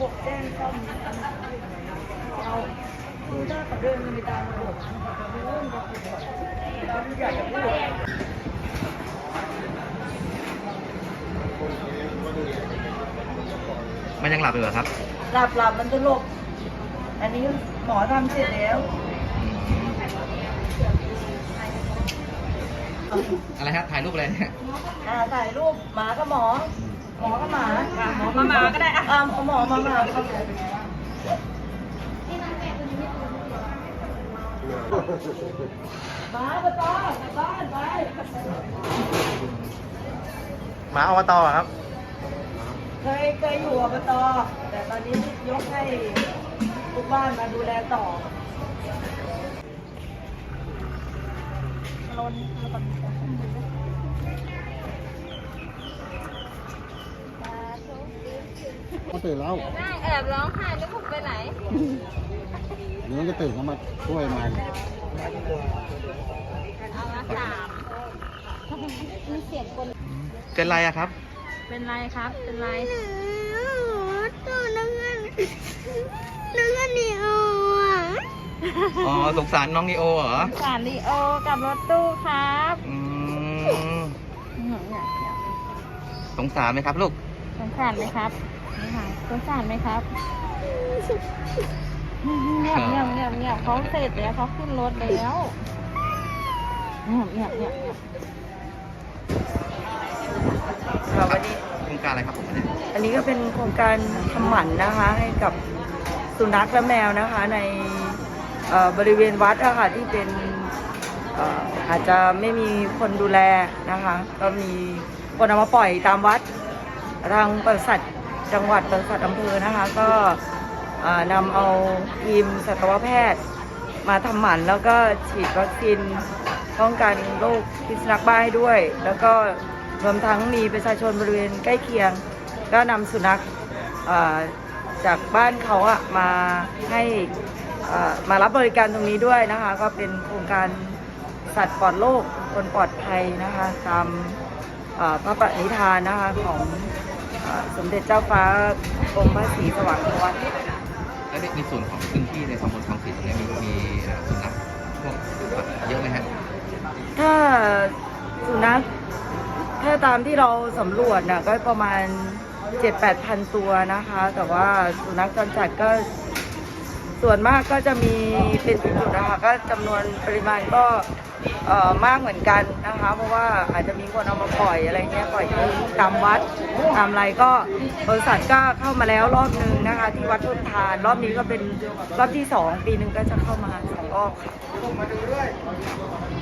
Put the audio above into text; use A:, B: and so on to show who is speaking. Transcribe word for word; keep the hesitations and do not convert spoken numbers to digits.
A: กแจ้งซ่อมเอาดูหน้าเขาเดินไปตามระบบไม่รู้มันจะพูดไม่อยากจะพูด
B: มันยังหลับอยู่เหรอครับ
A: หลับหลับมันจะหลบอันนี้หมอทำเสร็จแล้ว
B: อะไรฮะถ่ายรูปอะไรเนี่ย
A: อ่าถ่ายรูปหมากับหมอ หมอกับหมา
C: หมอมาหมาก็ได้อ่ะ
A: อ่าหมอมาหมาครับหมาไปต่อกลับบ้านไป
B: หมาอบตครับ
A: เคยเคยอยู่อบตแต่ตอนนี้ยกให้ทุกบ้านมาดูแลต่อลน
D: เขาตื่นแล้ว
C: นั่งแอบร้องไห้แล้วผมไปไหน
D: เดี๋ยวมันก็ตื่นเขามาช่วยมัน
C: เอาละสามมีเสียงคน
B: เป็นไรอะครับ
C: เป็นไรครับ เป็นไร
E: ตัวนักเงินนักเงินนี่เอาอ่ะ
B: อ๋อสงสารน้องนีโอเหรอ
C: สารลีโอกับรถตู้ครับ
B: อืม
C: เนี่ยเนี่ยเนี่ย
B: สงสารไหมครับลูก
C: สงสารไหมครับนี่ค่ะสงสารไหมครับเงียบเงียบเงียบเงียบเขาเสร็จแล้วเขาขึ้นรถแล้วเงียบเงียบเงียบเงียบ
A: ค่ะวันนี้
B: โครงการอะไรครับผมเนี่ย
A: อันนี้ก็เป็นโครงการทำหมันนะคะให้กับสุนัขและแมวนะคะในเอ่อบริเวณวัดอะค่ะที่เป็นเอ่ออาจจะไม่มีคนดูแลนะคะก็มีคนเอามาปล่อยตามวัดทางปศุสัตว์จังหวัดปศุสัตว์อำเภอนะคะก็เอ่อนำเอาทีมสัตวแพทย์มาทำหมันแล้วก็ฉีดวัคซีนป้องกันโรคพิษสุนัขบ้าให้ด้วย แล้วก็รวมทั้งมีประชาชนบริเวณใกล้เคียงก็นำสุนัขเอ่อจากบ้านเขาอะมาให้เอ่อมารับบริการตรงนี้ด้วยนะคะก็เป็นโครงการสัตว์ปลอดโรคคนปลอดภัยนะคะตามเอ่อพระปณิธานนะคะของเอ่อสมเด็จเจ้าฟ้ากรมพระศรีสว่างวัฒน์
B: แล้วในส่วนของพื้นที่ในตำบลคลองสีตรงนี้มีมีเอ่อสุนัขพวกสัตว์เยอะไหมฮะ
A: ถ้าสุนัขถ้าตามที่เราสำรวจน่ะก็ประมาณ เจ็ดแปดพันตัวนะคะ แต่ว่าสุนัขจรจัดก็ส่วนมากก็จะมีเป็นจุดๆนะคะก็จำนวนปริมาณก็เอ่อมากเหมือนกันนะคะ เพราะว่าอาจจะมีคนเอามาปล่อยอะไรเงี้ยปล่อยที่ตามวัดตามอะไรก็บริษัทก็เข้ามาแล้วรอบนึงนะคะ ที่วัดทุ่นทานรอบนี้ก็เป็นรอบที่สองปีหนึ่งก็จะเข้ามาสองรอบค่ะ